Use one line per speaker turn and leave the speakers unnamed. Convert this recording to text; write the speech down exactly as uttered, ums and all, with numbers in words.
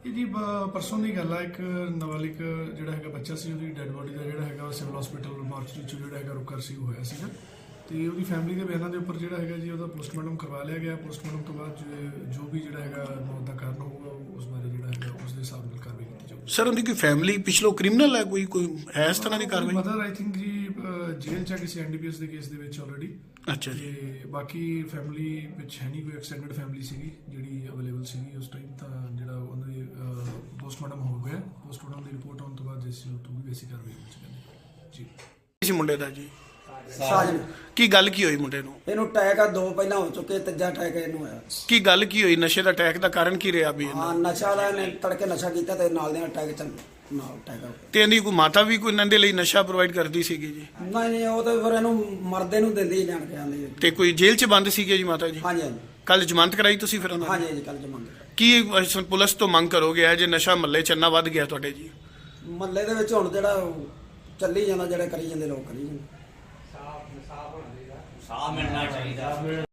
ਇਹ ਜੀ ਪਰਸੋਂ ਦੀ ਗੱਲ ਆ। ਇੱਕ ਨਾਬਾਲਿਗ ਜਿਹੜਾ ਹੈਗਾ ਬੱਚਾ ਸੀ, ਉਹਦੀ ਡੈੱਡ ਬੋਡੀ ਦਾ ਜਿਹੜਾ ਹੈਗਾ ਸਿਵਲ ਹਸਪੀਟਲ ਮਾਰਚਰੀ 'ਚ ਜਿਹੜਾ ਹੈਗਾ ਰੁਕਰ ਸੀ ਹੋਇਆ ਸੀਗਾ, ਤੇ ਉਹਦੀ ਫੈਮਿਲੀ ਦੇ ਬਿਆਨਾਂ ਦੇ ਉੱਪਰ ਜਿਹੜਾ ਹੈਗਾ ਜੀ ਉਹਦਾ ਪੋਸਟਮਾਰਟਮ ਕਰਵਾ ਲਿਆ ਗਿਆ। ਪੋਸਟਮਾਰਟਮ ਤੋਂ ਬਾਅਦ ਜੋ ਵੀ ਜਿਹੜਾ ਹੈਗਾ ਮੌਤ ਦਾ ਕਾਰਨ ਹੋਊਗਾ ਉਸ ਬਾਰੇ ਜਿਹੜਾ ਹੈਗਾ ਉਸ ਦੇ ਹਿਸਾਬ ਨਾਲ ਕਾਰਵਾਈ ਕੀਤੀ ਜਾਊਗੀ।
ਸਰ ਉਹਦੀ ਕੋਈ ਫੈਮਿਲੀ ਪਿਛਲੋ ਕ੍ਰਿਮੀਨਲ ਹੈ, ਕੋਈ ਕੋਈ ਹੈ ਇਸ ਤਰ੍ਹਾਂ ਦੀ ਕਾਰਵਾਈ?
ਮਦਰ ਆਈ ਥਿੰਕ ਜੀ ਜੇਲ੍ਹ 'ਚ ਆ ਕਿਸੇ ਐਨ ਡੀ ਪੀ ਐਸ ਦੇ ਕੇਸ ਦੇ ਵਿੱਚ ਆਲਰੇਡੀ।
ਅੱਛਾ ਜੀ।
ਤੇ ਬਾਕੀ ਫੈਮਿਲੀ ਵਿੱਚ ਹੈ ਨਹੀਂ ਕੋਈ, ਐਕਸਟੈਂਡਡ ਫੈਮਿਲੀ ਸੀਗੀ ਜਿਹੜੀ ਅਵੇਲੇਬਲ ਸੀਗੀ ਉਸ ਟਾਈਮ। ਤਾਂ ਜਿਹੜਾ ਉਹਨਾਂ ਦੇ ਪੋਸਟਮਾਰਟਮ ਹੋ ਗਿਆ, ਪੋਸਟਮਾਰਟਮ ਦੀ ਰਿਪੋਰਟ ਆਉਣ ਤੋਂ ਬਾਅਦ ਜਿਸ ਤੋਂ ਵੀ ਬੇਸਿਕ ਕਾਰਵਾਈ ਹੋ ਜਾਏਗੀ ਜੀ।
ਇਸ ਮੁੰਡੇ ਦਾ ਜੀ
ਸਾਜਨ
ਕੀ ਗੱਲ ਕੀ ਹੋਈ ਮੁੰਡੇ ਨੂੰ?
ਇਹਨੂੰ ਅਟੈਕ ਆ, ਦੋ ਪਹਿਲਾਂ ਹੋ ਚੁੱਕੇ, ਤੀਜਾ ਅਟੈਕ ਇਹਨੂੰ ਹੋਇਆ।
ਕੀ ਗੱਲ ਕੀ ਹੋਈ? ਨਸ਼ੇ ਦਾ ਅਟੈਕ ਦਾ ਕਾਰਨ ਕੀ ਰਿਹਾ ਵੀ?
ਹਾਂ, ਨਸ਼ਾ ਦਾ ਇਹਨੇ ਤੜਕੇ ਨਸ਼ਾ ਕੀਤਾ ਤੇ ਨਾਲ ਦੇ ਅਟੈਕ ਚ ਨਾਲ ਅਟੈਕ ਹੋ ਗਿਆ।
ਤੇ ਇਹਦੀ ਕੋਈ ਮਾਤਾ ਵੀ ਕੋਈ ਇਹਨਾਂ ਦੇ ਲਈ ਨਸ਼ਾ ਪ੍ਰੋਵਾਈਡ ਕਰਦੀ ਸੀਗੀ ਜੀ?
ਨਹੀਂ ਨਹੀਂ, ਉਹ ਤਾਂ ਫਿਰ ਇਹਨੂੰ ਮਰਦੇ ਨੂੰ ਦਿੰਦੀ ਜਾਣ ਕੇ ਆਂਦੀ।
ਤੇ ਕੋਈ ਜੇਲ੍ਹ 'ਚ ਬੰਦ ਸੀਗੇ ਜੀ ਮਾਤਾ ਜੀ?
ਹਾਂਜੀ ਹਾਂਜੀ
ਕੱਲ ਜ਼ਮਾਨਤ ਕਰਾਈ ਤੁਸੀਂ ਫਿਰ ਉਹਨਾਂ ਦੀ?
ਹਾਂਜੀ ਹਾਂਜੀ, ਕੱਲ ਜਮਾਂਦੇ
ਕੀ ਅਹ, ਪੁਲਿਸ ਤੋਂ ਮੰਗ ਕਰੋਗੇ ਜੇ ਨਸ਼ਾ ਮਹੱਲੇ 'ਚ ਇੰਨਾ ਵੱਧ ਗਿਆ ਤੁਹਾਡੇ ਜੀ?
ਮਹੱਲੇ ਦੇ ਵਿੱਚ ਹੁਣ ਜਿਹੜਾ ਉਹ ਚੱਲੀ ਜਾਂਦਾ, ਜਿਹੜੇ ਕਰੀ ਜਾਂਦੇ ਲੋਕ ਕਰੀ ਜਾਂਦੇ।
ਸਾਹ ਮਿਲਣਾ ਚਾਹੀਦਾ।